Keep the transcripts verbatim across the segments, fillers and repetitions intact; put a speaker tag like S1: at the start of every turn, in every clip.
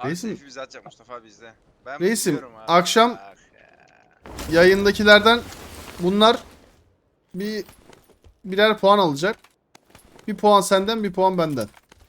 S1: Abi
S2: Reisim-
S1: Seyfi bizi atacak Mustafa abi bizde. Ben
S2: Reisim,
S1: biliyorum abi.
S2: akşam-
S1: Bak ya.
S2: Yayındakilerden bunlar bir birer puan alacak. Bir puan senden, bir puan benden.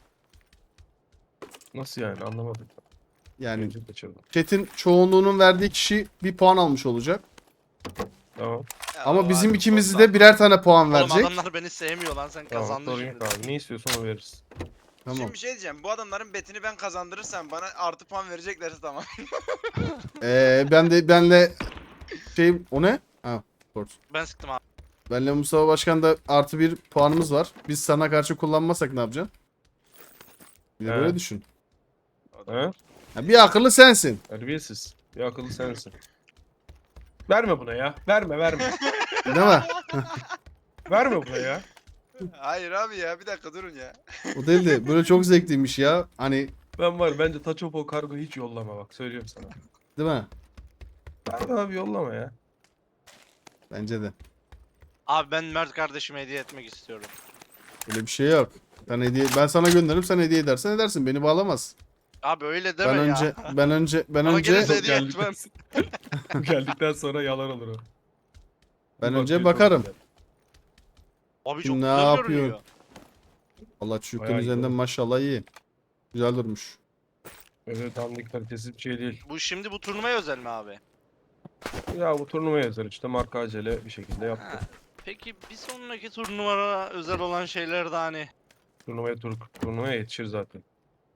S3: Nasıl yani anlamadım.
S2: Yani
S3: Önce kaçırdım.
S2: chat'in çoğunluğunun verdiği kişi bir puan almış olacak.
S3: Tamam.
S1: Ya
S2: Ama
S1: o
S2: bizim
S1: abi,
S2: ikimiz
S1: çok
S2: de
S1: sağlam.
S2: birer tane puan
S4: Oğlum
S2: verecek.
S4: adamlar beni sevmiyor lan, sen
S3: Tamam
S4: kazandın
S3: sorun
S4: şimdi.
S3: yok abi. Ne istiyorsan onu veririz.
S2: Tamam.
S1: Şimdi bir şey diyeceğim. Bu adamların betini ben kazandırırsam bana artı puan vereceklerse tamam.
S2: Ee, ben de benle şey o ne? Ha, port.
S4: Ben sıktım abi.
S2: Benle Mustafa Başkan da artı bir puanımız var. Biz sana karşı kullanmazsak ne yapacaksın? Bir de
S3: He.
S2: böyle düşün.
S1: O da
S3: He?
S1: olur.
S2: Ya bir akıllı sensin.
S3: Terbiyesiz. Bir akıllı sensin. Verme buna ya. Verme verme.
S2: Değil mi?
S3: Verme buna ya.
S1: Hayır abi ya bir dakika durun ya.
S2: O değil de böyle çok zevkliymiş ya. Hani
S3: Ben var bence Taçopo kargo hiç yollama bak söylüyorum sana.
S2: değil mi?
S3: Verme abi yollama ya.
S2: Bence de.
S4: Abi ben Mert kardeşime hediye etmek istiyorum.
S2: Öyle bir şey yok. Ben hediye ben sana gönderirim, sen hediye edersen edersin. Beni bağlamaz.
S4: Abi öyle deme
S2: Ben
S4: ya.
S2: önce ben önce ben
S4: Bana
S2: önce
S4: gelirse hediye
S3: Geldikten-
S4: etmem.
S3: Geldikten sonra yalan olur o.
S2: ben
S3: Bir
S2: önce
S3: bakıyor, çok
S2: bakarım.
S3: güzel.
S4: Abi çok
S2: Ne
S4: güzel
S2: yapıyorsun?
S4: görünüyor.
S2: Allah çocukların
S3: Bayağı iyi
S2: üzerinden
S3: oldu.
S2: maşallah iyi. Güzel durmuş.
S3: Öyle dandik kalitesiz bir şey değil.
S4: Bu şimdi bu turnuvaya özel mi abi?
S3: Ya bu turnuvaya özel işte marka acele bir şekilde
S4: Ha.
S3: yaptı.
S4: Peki bir sonraki turnuvaya özel olan şeyler de hani
S3: Turnuvaya tur turnuvaya yetişir zaten.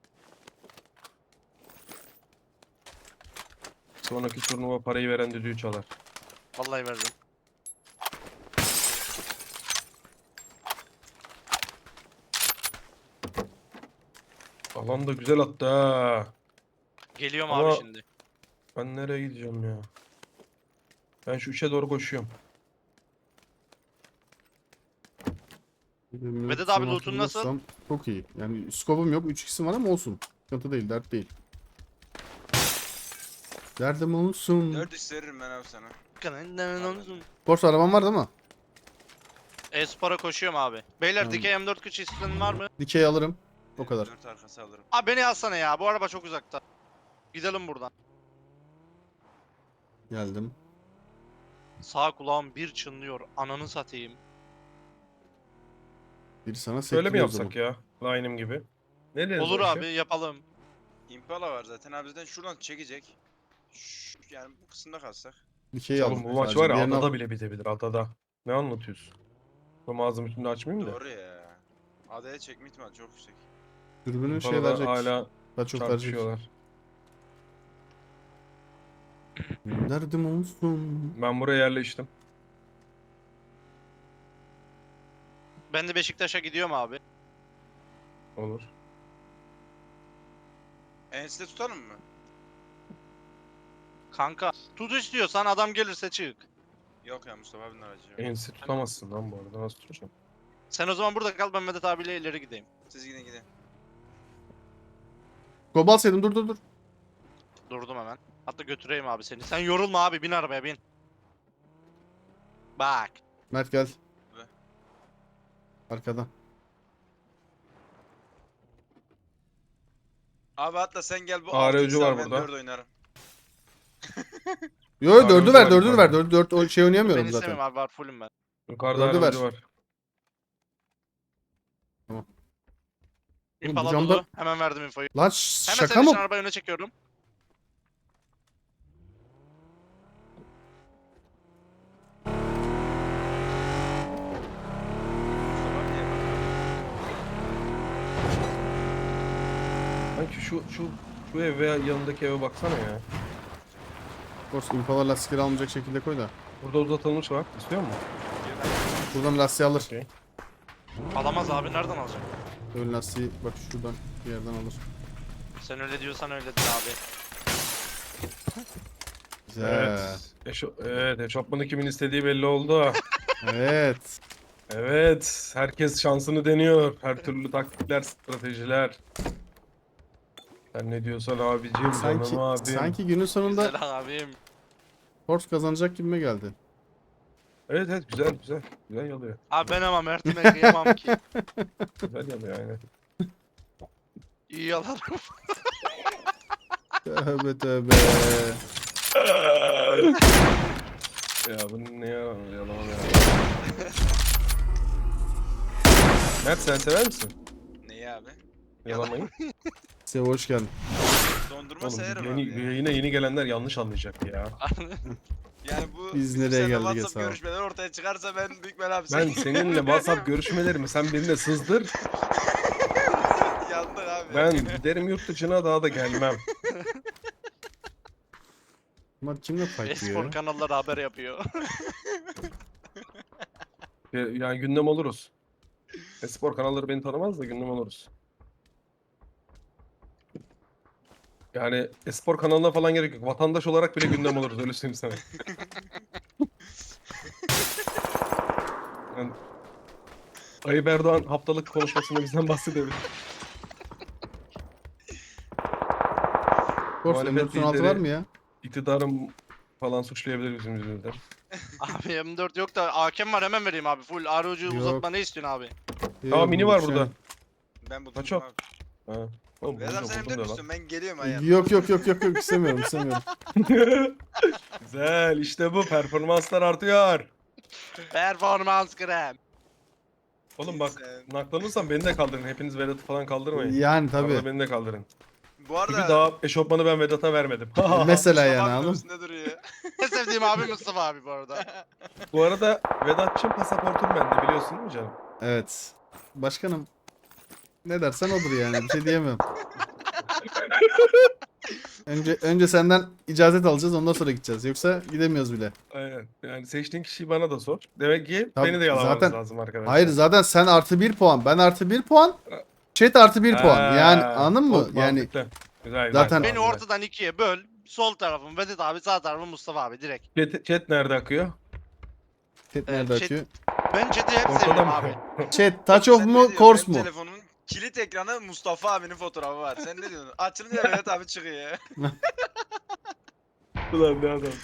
S3: Sonraki turnuva parayı veren düdüğü çalar.
S4: vallahi verdim.
S3: Alan da güzel attı ha.
S4: Geliyorum
S3: Ama-
S4: abi şimdi.
S3: Ben nereye gideceğim ya? Ben şu üçe doğru koşuyorum.
S4: Vedat abi loot'un nasıl?
S2: Hatırlarsam Çok iyi. Yani skopum yok. üç x'im var ama olsun. Sıkıntı değil, dert değil. Derdim olsun.
S1: Dört iş veririm ben abi sana.
S2: Borsa araban var değil mi?
S4: E-Spor'a koşuyorum abi. Beyler
S2: Tamam.
S4: dikey M dört kıç isteyen var mı?
S2: Dikey alırım. O kadar.
S1: Dört arkası alırım.
S4: Abi beni alsana ya, bu araba çok uzakta. Gidelim buradan.
S2: Geldim.
S4: Sağ kulağım bir çınlıyor, ananı satayım.
S2: Biri sana
S3: Şöyle mi
S2: sektiriyor o zaman.
S3: yapsak ya? Line'ım gibi. Ne deriz
S4: Olur
S3: o işe?
S4: abi, yapalım.
S1: Impala var zaten abi zaten şuradan çekecek. Şş, yani bu kısımda kalsak.
S2: Dikey aldım.
S3: Oğlum bu maç
S2: Sadece
S3: var ya
S2: diğerini al-
S3: adada bile bitebilir adada. Ne anlatıyorsun? Bu ağzımı şimdi açmayayım da.
S1: Doğru ya. Adaya çekme ihtimali çok yüksek.
S2: Dürbünün şey
S3: Impala'da
S2: verecek.
S3: hala
S2: Daha çok verecek.
S3: çarpışıyorlar.
S2: Derdim olsun.
S3: Ben buraya yerleştim.
S4: Ben de Beşiktaş'a gidiyorum abi.
S3: Olur.
S1: Enside tutalım mı?
S4: Kanka tut istiyorsan, adam gelirse çık.
S1: Yok ya Mustafa abinin aracı yok.
S3: Ensi tutamazsın lan bu arada. Nasıl tutacağım?
S4: Sen o zaman burada kal, ben Vedat abiyle ileri gideyim.
S1: Siz gidin gidin.
S2: Skop alsaydım, dur dur dur.
S4: Durdum hemen. Hatta götüreyim abi seni. Sen yorulma abi, bin arabaya bin. Bak.
S2: Mert gel.
S1: Ve?
S2: Arkadan.
S1: Abi hatta sen gel bu
S3: A R
S1: altı
S3: ucu
S1: X
S3: var
S1: al, ben
S3: burada.
S1: dört oynarım.
S2: Yo yo,
S3: Abi,
S2: dördü
S3: öldü
S2: ver,
S3: var
S2: dördü
S3: yukarıda.
S2: ver. Dört, dört o şey oynayamıyorum
S4: Ben
S2: zaten.
S4: istemem abi, var fullüm ben.
S3: Yukarıda
S2: Dördü
S3: aracı
S2: ver.
S3: var.
S2: Oğlum,
S4: İmpala
S2: bu camda-
S4: dolu. Hemen verdim infoyu.
S2: Lan ş-
S4: Hemen
S2: şaka
S4: senin için
S2: mı?
S4: arabayı öne çekiyorum.
S1: Mustafa abi niye bakıyor?
S3: Sanki şu şu şu ev veya yanındaki eve baksana ya.
S2: Borsa Impala lastikleri almayacak şekilde koy da.
S3: Burada uzatılmış var. İstiyor musun?
S2: Buradan lastiği alır.
S3: Okey.
S4: Alamaz abi, nereden alacak?
S2: Ön lastiği bak şuradan bir yerden alır.
S4: Sen öyle diyorsan öyledir abi.
S2: Güzel.
S3: Evet. Eşo evet, eşofmanı kimin istediği belli oldu.
S2: Evet.
S3: Evet, herkes şansını deniyor. Her türlü taktikler, stratejiler. Sen ne diyorsan abicim,
S2: Sanki
S3: canım abim.
S2: sanki günün sonunda
S4: Güzel abim.
S2: Force kazanacak gibime geldi.
S3: Evet evet, güzel güzel. Güzel yalıyor.
S4: Abi ben ama Mert'ime kıyamam ki.
S3: Güzel yalıyor aynen.
S4: İyi yalarım.
S2: Tövbe tövbe.
S3: Ya bu ne ya? Yalan ya. Mert sen sever misin
S1: Neyi abi?
S3: yalamayı?
S2: Size hoş geldin.
S1: Dondurma
S3: Oğlum
S1: severim
S3: yeni,
S1: abi ya.
S3: yine yeni gelenler yanlış anlayacak ya.
S1: Yani bu
S2: Biz
S1: bizim
S2: nereye
S1: seninle
S2: geldik
S1: WhatsApp
S2: hesabı?
S1: görüşmeleri ortaya çıkarsa ben büyük bela abi
S3: Ben seninle WhatsApp görüşmelerimi sen birine sızdır.
S1: yandık abi.
S3: Ben giderim yurt dışına daha da gelmem.
S2: Bunlar kimle fight
S4: Espor
S2: diyor?
S4: kanalları haber yapıyor.
S3: Ya- Yani gündem oluruz. Espor kanalları beni tanımaz da gündem oluruz. Yani espor kanalına falan gerek yok. Vatandaş olarak bile gündem oluruz öyle söyleyeyim sana. Yani Tayyip Erdoğan haftalık konuşmasında bizden bahsedebilir.
S2: Kors
S3: Muhalefet
S2: M dört on altı var
S3: lideri-
S2: mı ya?
S3: İktidarım falan suçlayabilir bizim yüzümüzden.
S4: Abi M dört yok da A K M var hemen vereyim abi. Full R O G
S2: Yok.
S4: uzatma ne istiyorsun abi?
S3: Aa mini var
S2: Şey-
S3: burada.
S1: Ben buldum
S3: Kaç o?
S1: abi.
S3: Ha. Oğlum
S1: Vedat
S3: buldum
S1: sen
S3: buldum
S1: emdir
S3: da lan.
S1: misin? Ben geliyorum ayağım.
S2: Yok yok yok yok yok istemiyorum istemiyorum.
S3: Güzel işte bu performanslar artıyor.
S4: Performans krem.
S3: Oğlum bak
S1: Sen-
S3: naklanırsam beni de kaldırın. Hepiniz Vedat'ı falan kaldırmayın.
S2: Yani
S3: Arada
S2: tabii.
S3: beni de kaldırın.
S1: Bu
S3: Çünkü
S1: arada
S3: daha eşofmanı ben Vedat'a vermedim.
S2: Mesela yani
S1: Mustafa abi
S2: anladın mı?
S1: üstünde duruyor.
S4: En sevdiğim abi Mustafa abi bu arada.
S3: Bu arada Vedat'cığım pasaportum bende biliyorsun değil mi canım?
S2: Evet. Başkanım ne dersen odur yani bir şey diyemem. Önce önce senden icazet alacağız ondan sonra gideceğiz. Yoksa gidemiyoruz bile.
S3: Aynen. Yani seçtiğin kişiyi bana da sor. Demek ki
S2: Tabii,
S3: beni de yalamanız
S2: zaten-
S3: lazım arkadaşlar.
S2: Hayır zaten sen artı bir puan. Ben artı bir puan. Chat artı bir puan. Yani
S3: Ha,
S2: anladın mı?
S3: çok
S2: Yani
S3: mantıklı. Güzel,
S2: Zaten-
S3: güzel,
S4: Beni
S3: güzel.
S4: ortadan ikiye böl. Sol tarafım Vedat abi, sağ tarafım Mustafa abi direkt.
S3: Chat, chat nerede akıyor?
S2: chat nerede
S4: chat-
S2: açıyor?
S4: Ben chat'i hep
S3: Ortada
S4: seviyorum
S3: mı?
S4: abi.
S2: Chat touch of
S1: Sen ne
S2: mu
S1: diyorsun?
S2: course
S1: Benim
S2: mu?
S1: telefonumun kilit ekranı Mustafa abinin fotoğrafı var. Sen ne diyorsun? Açılınca Vedat abi çıkıyor.
S3: Ulan ne adamsın.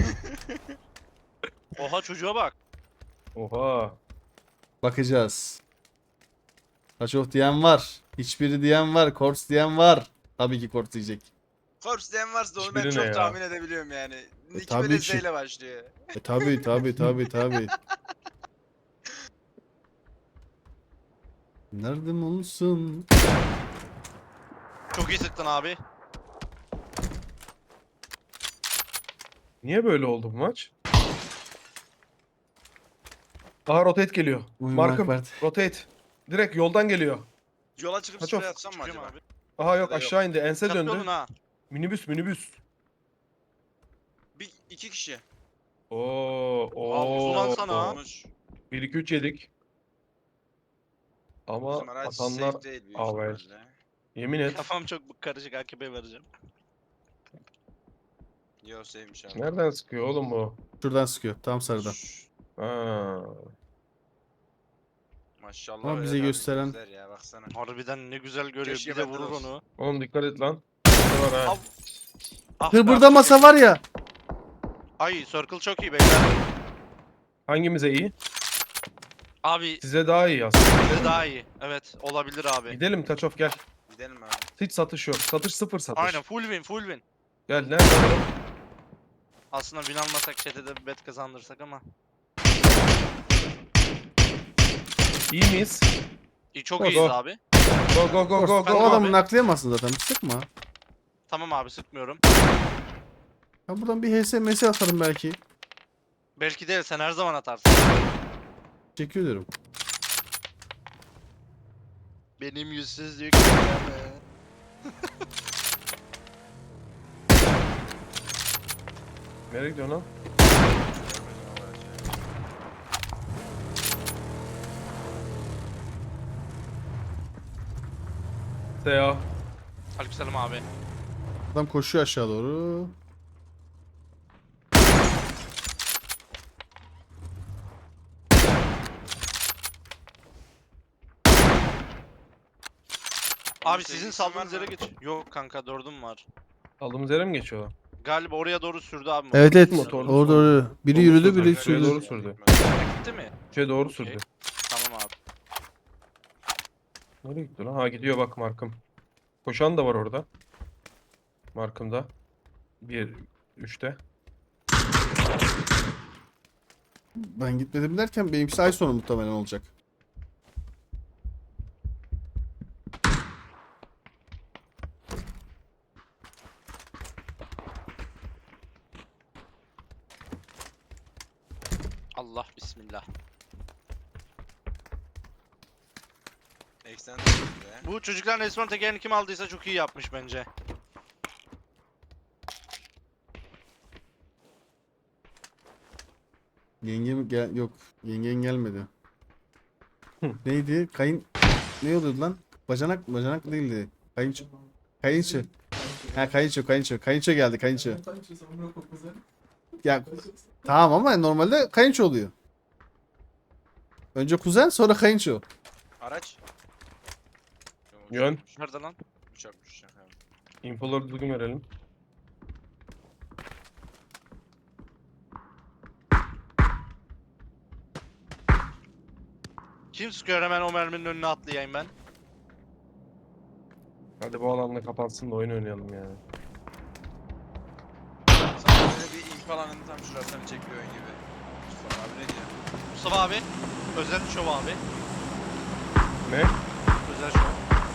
S4: Oha çocuğa bak.
S3: Oha.
S2: Bakacağız. Touch of diyen var. Hiçbiri diyen var. Course diyen var. Tabii ki course diyecek.
S1: Korps diyen varsa onu ben
S3: Hiçbiri
S1: çok
S3: ne ya?
S1: tahmin edebiliyorum yani. Nick
S2: tabii
S1: böyle
S2: ki.
S1: Z ile başlıyor.
S2: E tabii tabii tabii tabii. Nerede olsun?
S4: Çok iyi sıktın abi.
S3: Niye böyle oldu bu maç? Aha rotate geliyor.
S2: Uyumak
S3: Markım
S2: vardı.
S3: rotate. Direkt yoldan geliyor.
S1: Yola çıkıp
S3: Kaç
S1: sprey
S3: of?
S1: atsam mı
S4: Çıkıyorum
S1: acaba?
S4: abi.
S3: Aha yok
S1: Ya da yok.
S3: aşağı indi. Ense
S4: Dikkatli
S3: döndü.
S4: olun ha.
S3: Minibüs minibüs.
S1: Bir iki kişi.
S3: Oo,
S4: Abi, ulan sana.
S3: oo.
S1: Olmuş.
S3: bir iki üç yedik. Ama
S1: Bizim araç
S3: atanlar
S1: safe değil büyük
S3: Avel.
S1: ihtimalle.
S3: yemin et.
S4: Kafam çok karışık, A K B vereceğim.
S1: Yo safe'miş abi.
S3: Nereden sıkıyor oğlum bu?
S2: Şuradan sıkıyor. Tam sarıdan.
S1: Şşş,
S3: Ha.
S1: Maşallah
S2: Ama
S1: Vedat
S2: bize
S1: abi
S2: gösteren-
S1: gözler ya baksana.
S4: Harbiden ne güzel görüyor.
S1: Keşke
S4: Bir de
S1: bende de
S4: vurur
S1: olsun.
S4: onu.
S3: Oğlum dikkat et lan. Ne var ha?
S4: Av- Ah,
S2: Kır
S4: be
S2: burada
S4: abi,
S2: masa
S4: çok
S2: var ya.
S4: iyi. Ay circle çok iyi beyler.
S3: Hangimize iyi?
S4: Abi
S3: Size daha iyi aslında.
S4: bize daha iyi. Evet olabilir abi.
S3: Gidelim Taçof gel.
S1: Gidelim abi.
S3: Hiç satış yok. Satış sıfır satış.
S4: Aynen full win full win.
S3: Gel nerede? oğlum?
S4: Aslında win almasak chat'e de bir bet kazandırsak ama.
S3: İyi miyiz?
S4: İyi, çok
S3: Go,
S4: iyiyiz
S3: go.
S4: abi.
S3: Go go go go
S2: Course,
S3: go.
S2: o
S4: abi.
S2: adamı naklayamazsın zaten. Sıkma.
S4: Tamam abi sıkmıyorum.
S2: Ben buradan bir H S M S atarım belki.
S4: Belki değil, sen her zaman atarsın.
S2: Teşekkür ederim.
S4: Benim yüzsüzlük.
S3: Nereye gidiyorsun lan? Seya.
S4: Aleykümselam abi.
S2: Adam koşuyor aşağı doğru.
S4: Abi
S1: Senin
S4: sizin
S1: sevgilisi var
S4: saldığınız
S1: mı?
S4: yere geç. Yok kanka dördüm var.
S3: Aldığımız yere mi geçiyorlar?
S4: Galiba oraya doğru sürdü abi.
S2: Evet evet.
S3: Motorlu
S2: Orada
S3: sürdü.
S2: orada. Biri
S3: Doğru
S2: yürüdü
S3: sürdü.
S2: biri
S3: Şuraya
S2: sürdü.
S3: doğru sürdü.
S4: Gitti mi?
S3: Şey doğru sürdü.
S4: Tamam abi.
S3: Nereye gitti lan? Ha gidiyor bak markım. Koşan da var orada. Markımda. Bir, üçte.
S2: Ben gitmedim derken benimkisi ay sonu muhtemelen olacak.
S4: Allah bismillah.
S1: Eksen be.
S4: Bu çocukların resmen tekerini kim aldıysa çok iyi yapmış bence.
S2: Yengem gel yok. Yengen gelmedi.
S3: Hı.
S2: Neydi? Kayın ne oluyordu lan? Bacanak bacanak değildi. Kayınço. Kayınço. Ha kayınço kayınço. Kayınço geldi kayınço. Ya tamam ama normalde kayınço oluyor. Önce kuzen sonra kayınço.
S1: Araç.
S3: Yön.
S4: Nerede lan?
S1: Uçakmış uçak abi.
S3: Infoları düzgün verelim.
S4: Kim sıkıyor hemen o merminin önüne atlayayım ben.
S3: Hadi bu alanla kapansın da oyun oynayalım yani.
S1: Sana böyle bir impalanın tam şurasını çekiyor oyun gibi. Mustafa abi ne diyor?
S4: Mustafa abi. Özel şov abi.
S3: Ne?
S4: Özel şov.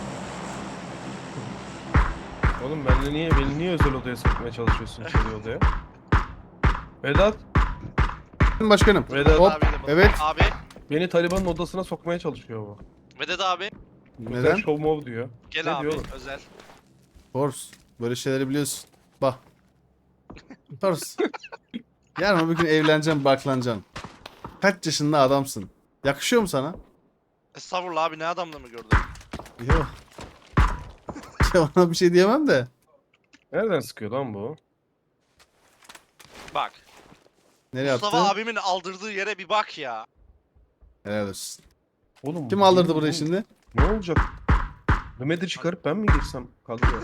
S3: Oğlum benle niye beni niye özel odaya sokmaya çalışıyorsun içeri odaya? Vedat,
S2: Başkanım.
S3: Vedat
S2: Hop.
S4: Abi de bu-
S2: Evet.
S4: Abi.
S3: beni Taliban'ın odasına sokmaya çalışıyor bu.
S4: Vedat abi.
S2: Neden?
S3: Özel show mov diyor.
S4: Gel
S3: Ne
S4: abi.
S3: diyor oğlum?
S4: Özel.
S2: Force. Böyle şeyleri biliyorsun. Bak. Force. Yarın bir gün evleneceğim, barklanacaksın. Kaç yaşında adamsın? Yakışıyor mu sana?
S4: Estağfurullah abi, ne adamla mı gördün?
S2: Yok. Ona bir şey diyemem de.
S3: Nereden sıkıyor lan bu?
S4: Bak.
S2: Nereye
S4: Mustafa
S2: attı?
S4: abimin aldırdığı yere bir bak ya.
S2: Helal olsun.
S3: Oğlum
S2: Kim
S3: bu-
S2: aldırdı
S3: bu-
S2: burayı
S3: bu-
S2: şimdi?
S3: Ne olacak? Mehmet'i çıkarıp ben mi girsem kadroya?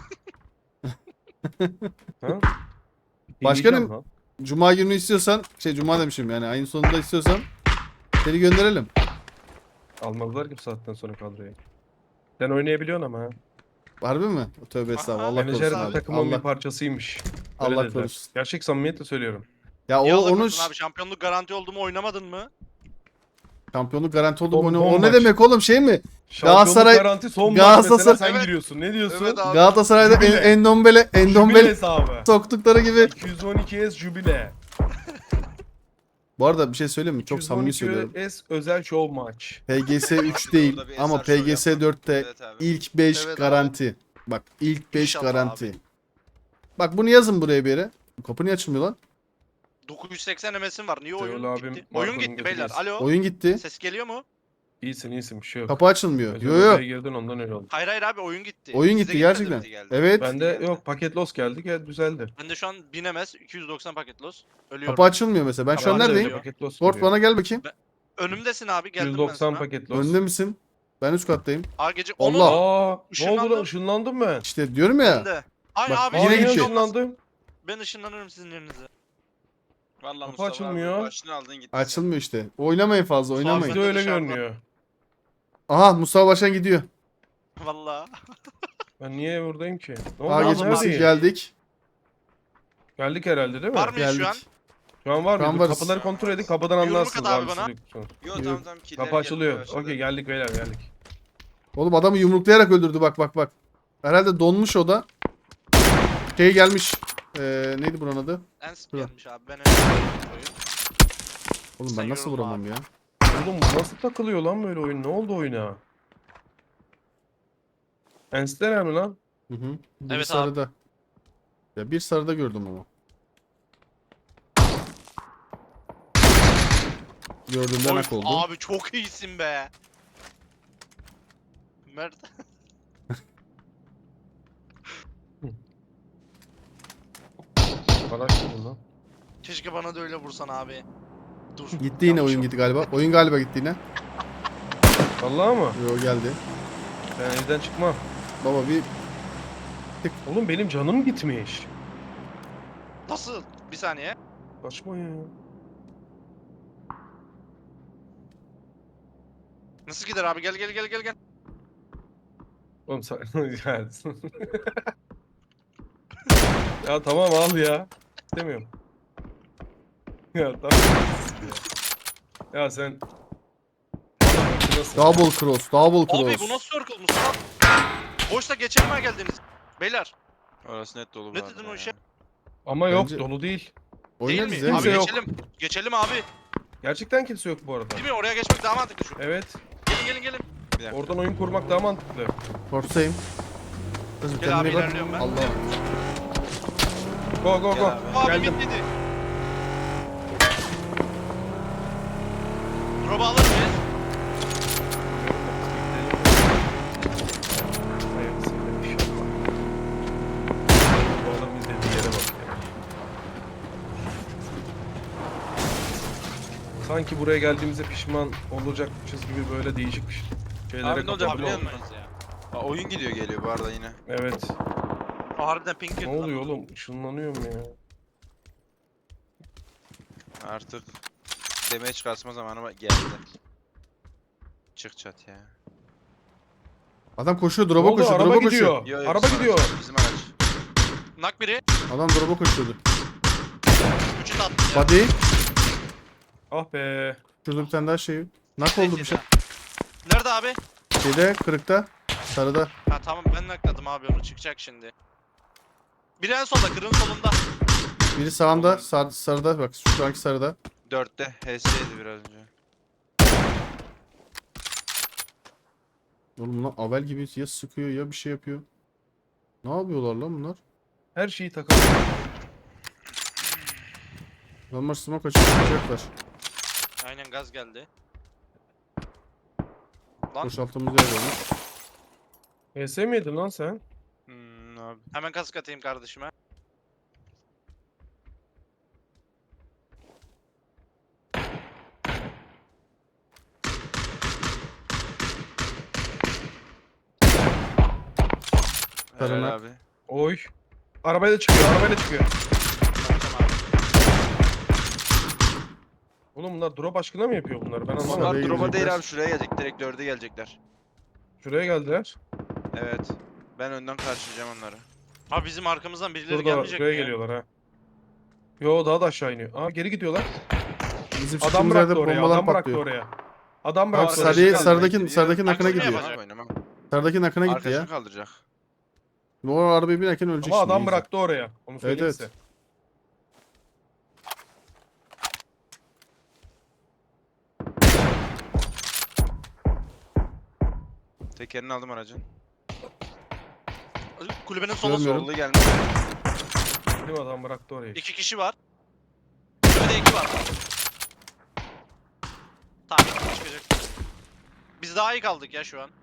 S3: Ha?
S2: Başkanım.
S3: Deneyeceğim lan.
S2: Cuma günü istiyorsan, şey Cuma demişim yani ayın sonunda istiyorsan seni gönderelim.
S3: Almadılar ki bu saatten sonra kadroya. Sen oynayabiliyorsun ama ha.
S2: Harbi mi? Tövbe estağfurullah. Allah
S3: Menajer
S2: korusun
S3: de
S2: abi.
S3: takımın bir
S2: Allah,
S3: parçasıymış. Öyle
S2: Allah
S3: dediler.
S2: korusun.
S3: Gerçek samimiyetle söylüyorum.
S2: Ya
S4: Niye
S2: o
S4: Allah
S2: onun
S4: korusun abi, şampiyonluk garanti oldu mu oynamadın mı?
S2: şampiyonluk garanti oldu
S3: Son-
S2: mu? O ne-
S3: son
S2: O ne
S3: maç.
S2: demek oğlum, şey mi?
S3: Şampiyonluk
S2: Galatasaray-
S3: garanti son maç
S2: Galatasaray-
S3: mesela sen
S4: Evet.
S3: giriyorsun. Ne diyorsun?
S4: Evet abi.
S2: Galatasaray'da
S3: Jubile.
S2: en, Endombele,
S3: Jubile
S2: Endombele
S3: hesabı.
S2: soktukları gibi.
S3: iki yüz on iki S jubile.
S2: Bu arada bir şey söyleyeyim mi? Çok samimi söylüyorum.
S3: iki yüz on iki S özel show maç.
S2: P G S üç değil
S1: Orada bir
S2: ama
S1: eser show
S2: P G S
S1: yapma.
S2: dörtte
S1: Evet abi.
S2: ilk beş
S4: Evet abi.
S2: garanti. Bak ilk beş
S4: İnşallah
S2: garanti.
S4: abi.
S2: Bak bunu yazın buraya bir yere. Kapı niye açılmıyor lan?
S4: dokuz yüz seksen M S'im var. Niye
S3: Teol
S4: oyun
S3: abim
S4: gitti? Oyun
S3: Marco'nun
S4: gitti beyler.
S3: götürüyorsun.
S4: Alo.
S2: Oyun gitti.
S4: Ses geliyor mu?
S3: İyisin iyisin bir şey yok.
S2: Kapı açılmıyor.
S3: Özel
S2: Yo yo.
S3: odaya girdin ondan öyle oldu.
S4: Hayır hayır abi, oyun gitti.
S2: Oyun
S4: Size
S2: gitti
S4: gelmedi
S2: gerçekten.
S4: mi?
S1: mi? Geldi.
S2: Evet.
S3: Bende
S1: geldi.
S3: yok paket loss geldi gel düzeldi.
S4: Bende şu an bin M S, iki yüz doksan paket loss. Ölüyorum.
S2: Kapı açılmıyor mesela. Ben şu an
S3: Bende de
S2: neredeyim?
S3: öyle paket loss
S2: Ford
S3: geliyor.
S2: bana gel bakayım.
S4: Önümdesin abi, geldim
S3: yüz
S4: ben
S3: doksan
S4: sana.
S3: paket loss.
S2: Önde misin? Ben üst kattayım.
S4: Aa gece
S2: Allah!
S4: onu
S3: Aa, ne oldu
S4: Işınlandım.
S3: lan ışınlandım ben.
S2: İşte diyorum ya.
S4: ben de. Ay
S2: Bak,
S4: abi
S3: Aa,
S2: yine
S3: yine
S2: gidiyor.
S3: ışınlandım.
S4: Ben ışınlanırım sizin yerinize.
S1: Vallahi
S3: Kapı
S1: Mustafa
S3: açılmıyor.
S1: abi başını aldın gittin.
S2: Açılmıyor işte. Oynamayın fazla,
S4: Mustafa
S2: oynamayın.
S3: Bizde öyle
S4: dışarıdan.
S3: görünüyor.
S2: Aha Mustafa Başkan gidiyor.
S4: Vallahi.
S3: Ben niye buradayım ki? Ne oldu
S2: A
S3: lan,
S2: geçmesi
S3: neredeyim?
S2: geldik.
S3: Geldik herhalde değil mi?
S4: Var mı
S2: Geldik.
S4: şu an?
S3: Şu an var
S2: Şu an
S3: mı?
S2: varız.
S3: Kapıları kontrol edin kapıdan
S4: Yumruk
S3: anlarsınız
S4: at abi
S3: abi.
S4: bana.
S3: siz yoksunuz.
S1: Yo
S2: Yok.
S1: tamam tamam. killer
S3: Kapı
S1: gelmeye
S3: açılıyor.
S1: başladı.
S3: Okey geldik beyler geldik.
S2: Oğlum adamı yumruklayarak öldürdü bak bak bak. Herhalde donmuş o da. Şey gelmiş. Ee, neydi buranın adı?
S4: Ens
S2: Dur.
S4: gelmiş abi. Ben öyle oyun.
S2: Oğlum
S4: Sen
S2: ben nasıl
S4: yorulma
S2: vuramam
S4: abi.
S2: ya?
S3: Oğlum bu nasıl takılıyor lan böyle oyun? Ne oldu oyuna? Ensler mi lan?
S2: Hı hı. Bir
S4: Evet abi.
S2: sarıda. Ya bir sarıda gördüm ama. Gördüğümden
S4: Oy,
S2: hak oldu.
S4: abi çok iyisin be. Mert.
S3: Araç mı lan?
S4: Keşke bana da öyle vursan abi. Dur.
S2: Gitti yine
S4: yanlış
S2: oyun
S4: oldu.
S2: gitti galiba. Oyun galiba gitti yine.
S3: Vallahi mı?
S2: Yo geldi.
S3: Ben evden çıkmam.
S2: Baba bir
S3: Oğlum benim canım gitmiş.
S4: Nasıl? Bir saniye.
S3: Saçma ya.
S4: Nasıl gider abi? Gel gel gel gel gel.
S3: Oğlum sen... Yani- Ya tamam al ya. İstemiyorum. Ya tamam. Ya sen... Nasıl?
S2: Double cross, double
S4: Abi bu
S2: cross.
S4: nasıl circle Mustafa? Boşta geçirmeye geldiniz. Beyler.
S1: Orası net dolu bu
S4: Ne
S1: arada
S4: dedin o
S1: ya.
S4: işe?
S3: Ama yok
S2: Bence-
S3: dolu değil.
S2: Oynarız
S4: Değil mi?
S2: ya.
S3: Kimse
S4: Abi
S3: yok.
S4: geçelim. Geçelim abi.
S3: Gerçekten kimse yok bu arada.
S4: Değil mi? Oraya geçmek daha mantıklı şu.
S3: Evet.
S4: Gelin gelin gelin.
S1: Bir dakika.
S3: Oradan oyun kurmak daha mantıklı.
S2: Force'tayım. Kızım
S4: Gel
S2: kendine
S4: abi,
S2: bak.
S4: ilerliyorum ben.
S2: Allah.
S3: Go go
S1: Gel
S3: go.
S1: abi.
S4: Abi
S3: Geldim.
S4: bitledi. Drop'u alır mıyız?
S3: Hayırlısıyla inşallah. Bu adam izlediği yere bak ya. Sanki buraya geldiğimizde pişman olacakmışız gibi böyle değişik şeylere
S1: Abi ne olacak
S3: kapılıyor.
S1: biliyor musun?
S4: Olmayız ya.
S1: Aa, oyun gidiyor geliyor bu arada yine.
S3: Evet.
S4: O harbiden pink girdi
S3: Ne
S4: lan.
S3: oluyor oğlum? Işınlanıyorum ya.
S1: Artık demeye çıkartma zamanı geldi. Çık çat ya.
S2: Adam koşuyor,
S3: Ne
S2: drop'a
S3: oldu?
S2: koşuyor,
S3: Araba
S2: drop'a koşuyor.
S3: gidiyor.
S1: Yo, yo,
S3: Araba
S1: bizim
S3: gidiyor.
S1: araç, bizim araç.
S4: Nak biri.
S2: Adam drop'a koşuyordu.
S4: Üçü tattı ya.
S2: Body.
S3: Ah be.
S2: Şurada bir tane daha şey. Nak oldu bir şey.
S4: Nerede abi?
S2: Şeyde, kırıkta. Sarıda.
S4: Ha tamam ben nakladım abi onu çıkacak şimdi. Biri en solda kırın solunda.
S2: Biri sağımda, sar, sarıda. Bak şu anki sarıda.
S1: Dörtte H S'ydi biraz önce.
S2: Oğlum lan Avel gibi ya sıkıyor ya bir şey yapıyor. Ne yapıyorlar lan bunlar?
S3: Her şeyi takalım.
S2: Adamlar smoke açıp çıkacaklar.
S4: Aynen gaz geldi. Lan
S2: Boşalttığımız yer olmuş.
S3: E S miydin lan sen?
S1: Hmm, abi.
S4: hemen kask atayım kardeşime.
S2: Karına.
S1: Helal abi.
S3: Oy. Arabayla çıkıyor, arabayla çıkıyor.
S4: Bakacağım abi.
S3: Oğlum bunlar drop aşkına mı yapıyor bunları? Ben anlamadım.
S1: Onlar
S2: Saraya
S1: drop'a değil
S2: girecekler.
S1: abi, şuraya gelecek. Direkt dörde gelecekler.
S3: Şuraya geldiler.
S1: Evet. Ben önden karşılayacağım onları.
S4: Abi bizim arkamızdan birileri
S3: Şurada,
S4: gelmeyecek
S3: şuraya
S4: mi ya?
S3: geliyorlar ha. Yo daha da aşağı iniyor. Aa geri gidiyorlar.
S2: Bizim
S3: Adam
S2: çıktığımız yerde
S3: bıraktı oraya,
S2: bombalar
S3: adam bıraktı
S2: patlıyor.
S3: oraya. Adam
S2: Abi
S3: bıraktı.
S1: sarı-
S2: sarıyı,
S1: kaldı,
S2: sarıdaki,
S1: bekliyor.
S2: sarıdaki nakına
S4: Aksini
S2: gidiyor.
S4: yapacak.
S1: Oynamam, oynamam.
S2: Sarıdaki nakına gitti ya.
S1: Arkadaşını kaldıracak.
S2: Bu arabaya binerken ölecek
S3: Ama
S2: şimdi.
S3: adam
S2: iyice.
S3: bıraktı oraya. Onu söyleyeyim
S2: evet.
S3: size.
S1: Tekerini aldım aracın.
S4: Kulübenin sola
S2: Görmüyorum.
S4: sol.
S1: Sollu gelmiş.
S3: Değil mi adam bıraktı orayı.
S4: İki kişi var. Kulübede iki var. Tamam çıkacak. Biz daha iyi kaldık ya şu an.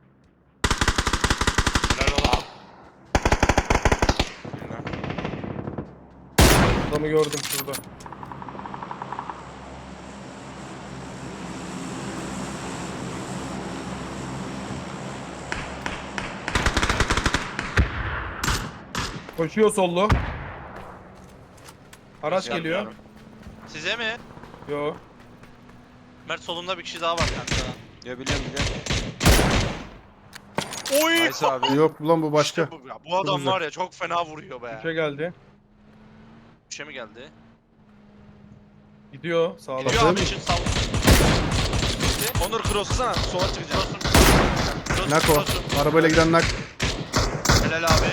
S4: Helal ola.
S3: Adamı gördüm şurada. Koşuyor sollu. Araç
S4: Geldi
S3: geliyor.
S4: abi. Size mi?
S3: Yo.
S4: Mert solunda bir kişi daha var kanka.
S1: Ya biliyorum biliyorum.
S4: Oy!
S1: Nice abi.
S2: Yok lan bu başka.
S4: İşte bu, ya. Bu adam
S2: uzak.
S4: var ya çok fena vuruyor be.
S3: Bir şey geldi.
S4: Bir şey mi geldi?
S3: Gidiyor sağdan.
S4: Gidiyor abi için sağ.
S1: Onur cross'lasana. Sola çıkacağım.
S2: Nak o. Arabayla giden nak.
S4: Helal abi.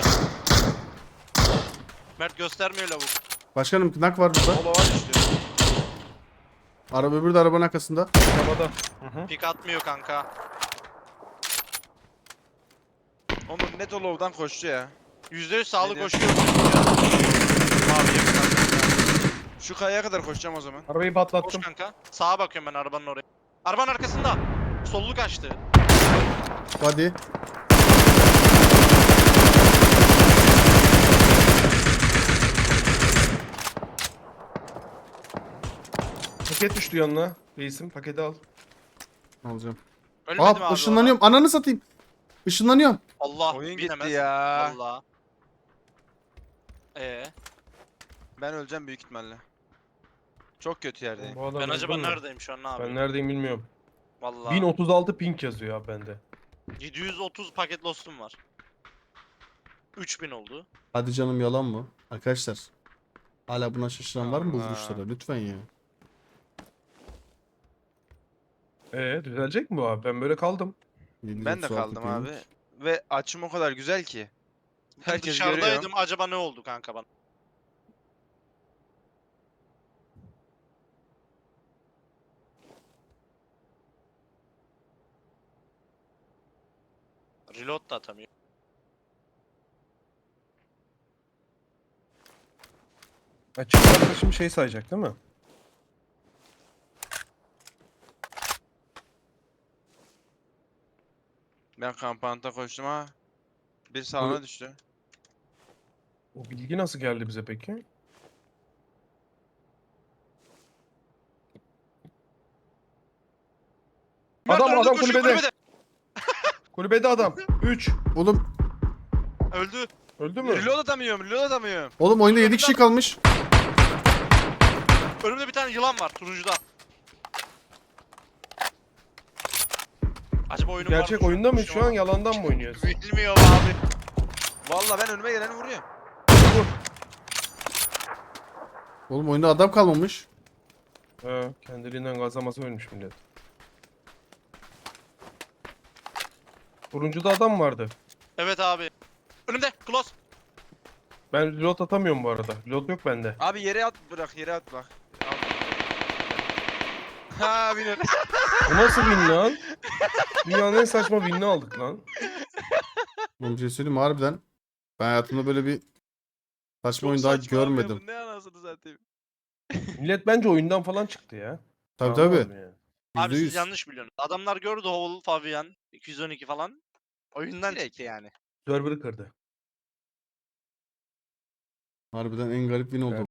S4: Mert göstermiyor lavuk.
S2: Başkanım nak var burada.
S1: Sola var işte.
S2: Araba öbürü de arabanın arkasında.
S3: Arabada. Hı hı.
S4: Pik atmıyor kanka.
S1: Onur net o low'dan koştu ya.
S4: yüzde yüz sağlı
S1: Ne diyor?
S4: koşuyor. Abi yakın.
S1: Şu kayaya kadar koşacağım o zaman.
S3: Arabayı
S4: Koş
S3: patlattım.
S4: kanka. Sağa bakıyorum ben arabanın oraya. Arabanın arkasında. Sollu kaçtı.
S2: Body.
S3: Paket düştü yanına. Reisim paketi al.
S2: Alacağım.
S4: Ölmedim
S2: Aa
S4: abi.
S2: ışınlanıyorum. Ananı satayım. Işınlanıyorum.
S4: Allah
S1: Oyun
S4: binemez.
S1: gitti ya.
S4: Allah. Ee,
S1: Ben öleceğim büyük ihtimalle. Çok kötü yerdeyim.
S3: Bu adam
S4: ben acaba
S3: öldü mü?
S4: neredeyim şu an ne
S3: Ben
S4: yapayım?
S3: neredeyim bilmiyorum.
S4: Vallahi.
S3: bin otuz altı ping yazıyor abi bende.
S4: yedi yüz otuz paket lostum var. üç bin oldu.
S2: Hadi canım, yalan mı? Arkadaşlar. Hala buna şaşıran var mı bu
S1: Allah.
S2: vuruşlara? Lütfen ya.
S3: Ee düzelecek mi bu abi? Ben böyle kaldım.
S1: Ben de kaldım abi.
S2: yedi yüz otuz altı
S1: Ve açım o kadar güzel ki.
S4: Ben
S1: Herkes görüyor.
S4: dışarıdaydım. Acaba ne oldu kanka bana? Reload da atamıyor.
S3: Açık arkadaşım şey sayacak değil mi?
S1: Ben kampanta koştum ha. Bir sağına düştü.
S3: O bilgi nasıl geldi bize peki?
S1: Mert
S3: Adam,
S1: önünde
S3: adam
S1: koşuyor,
S3: kulübede. Kulübede adam. üç.
S2: Oğlum,
S4: Öldü.
S3: Öldü mü?
S1: Reload atamıyorum, reload atamıyorum.
S2: oğlum oyunda yedi kişi kalmış.
S4: Önümde bir tane yılan var turuncuda. Acaba oyunun var
S3: Gerçek
S4: mı?
S3: oyunda mı?
S4: Şey
S3: Şu an
S4: olmaz.
S3: yalandan mı oynuyoruz?
S4: Bilmiyorum abi.
S1: Vallahi ben önüme geleni vuruyorum.
S3: Vur.
S2: Oğlum oyunda adam kalmamış.
S3: He, kendiliğinden gazlaması ölmüş millet. Turuncuda adam vardı.
S4: Evet abi. Önümde. Close.
S3: Ben reload atamıyorum bu arada. Reload yok bende.
S1: Abi yere at bırak, yere at bak. Al. Ha biner.
S3: Bu nasıl win lan? Dünyanın en saçma winini aldık lan.
S2: Oğlum bir şey söyleyeyim mi? Harbiden. Ben hayatımda böyle bir saçma
S1: Çok
S2: oyun daha
S1: saçma abi ya,
S2: görmedim.
S1: bu ne anasını zaten.
S3: Millet bence oyundan falan çıktı ya.
S2: Tabii
S3: Anlamadım
S2: tabii.
S3: yani.
S4: Abi siz
S2: yüzde yüz.
S4: yanlış biliyorsunuz. Adamlar gördü Hovel, Fabian, iki yüz on iki falan. Oyundan
S1: Direkt.
S4: çıktı yani.
S3: Server'ı kırdı.
S2: Harbiden en garip win oldu.